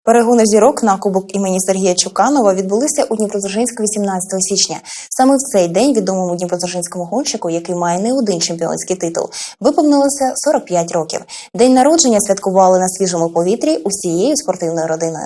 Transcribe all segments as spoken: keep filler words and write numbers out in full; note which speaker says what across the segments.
Speaker 1: Перегони зірок на Кубок імені Сергія Чуканова відбулися у Дніпродзержинську вісімнадцятого січня. Саме в цей день відомому дніпродзержинському гонщику, який має не один чемпіонський титул, виповнилося сорок п'ять років. День народження святкували на свіжому повітрі усією спортивною родиною.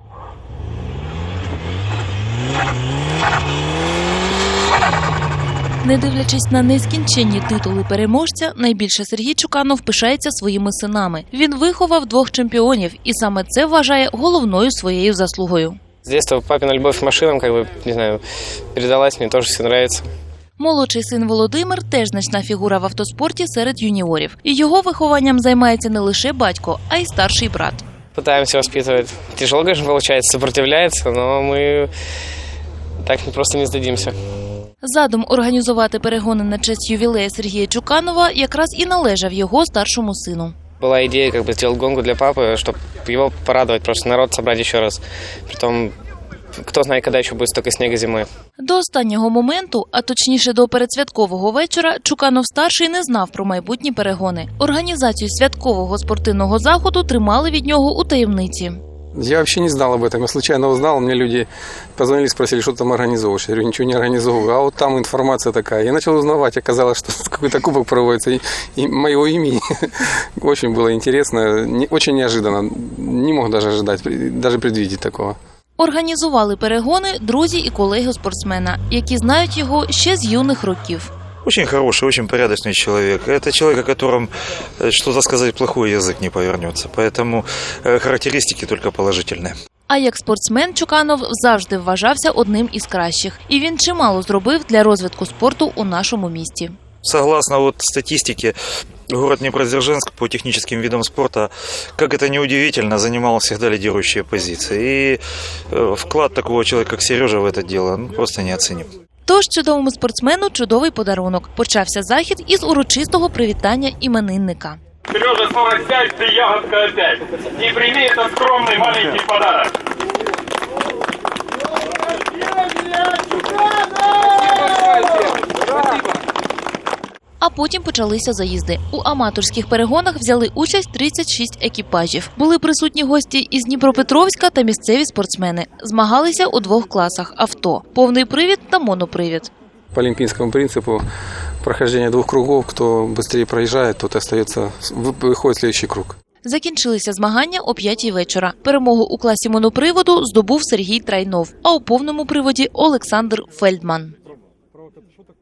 Speaker 2: Не дивлячись на нескінченні титули переможця, найбільше Сергій Чуканов пишається своїми синами. Він виховав двох чемпіонів, і саме це вважає головною своєю заслугою.
Speaker 3: З дитинства папина любов к машинам, как бы, не знаю, передалась, мені теж все подобається.
Speaker 2: Молодший син Володимир теж значна фігура в автоспорті серед юніорів. І його вихованням займається не лише батько, а й старший брат.
Speaker 3: Пытаемся воспитывать. Тяжело, конечно, получается, сопротивляется, но мы так просто не сдадимся.
Speaker 2: Задум організувати перегони на честь ювілея Сергія Чуканова якраз і належав його старшому сину.
Speaker 3: Была идея, как бы, сделать гонку для папы, чтобы его порадовать, просто народ собрать еще раз. Притом, кто знает, когда еще будет столько снега зимой.
Speaker 2: До останнього моменту, а точніше до передсвяткового вечора, Чуканов-старший не знав про майбутні перегони. Організацію святкового спортивного заходу тримали від нього у таємниці.
Speaker 4: Я вообще не знал об этом. Я случайно узнал, мне люди позвонили, спросили, что ты там организовываешь. Я говорю, ничего не организовываю. А вот там информация такая. Я начал узнавать, оказалось, что какой-то кубок проводится и, и моего имени. Очень было интересно, не, очень неожиданно. Не мог даже ожидать, даже предвидеть такого.
Speaker 2: Організували перегони друзі і колеги спортсмена, які знають його ще з юних років.
Speaker 5: Очень хороший, очень порядочный человек. Это человек, о котором что-то сказать плохой язык не повернется. Поэтому характеристики только положительные.
Speaker 2: А як спортсмен Чуканов завжди вважався одним із кращих. І він чимало зробив для розвитку спорту у нашому місті.
Speaker 5: Согласно вот статистике, город Дніпродзержинськ по техническим видам спорта, как это ни удивительно, занимал всегда лидирующие позиции. И вклад такого человека, как Сережа, в это дело ну, просто неоценим.
Speaker 2: Тож чудовому спортсмену чудовий подарунок. Почався захід із урочистого привітання іменинника.
Speaker 6: Сережа, сорок пять, ты ягодка опять. И прими этот скромный маленький подарок.
Speaker 2: А потім почалися заїзди. У аматорських перегонах взяли участь тридцять шість екіпажів. Були присутні гості із Дніпропетровська та місцеві спортсмени. Змагалися у двох класах – авто, повний привід та монопривід.
Speaker 4: По олимпийскому принципу прохождения двух кругов, кто быстрее проезжает, тот остается, выходит в следующий круг.
Speaker 2: Закінчилися змагання о п'ятій вечора. Перемогу у класі моноприводу здобув Сергій Трайнов, а у повному приводі – Олександр Фельдман.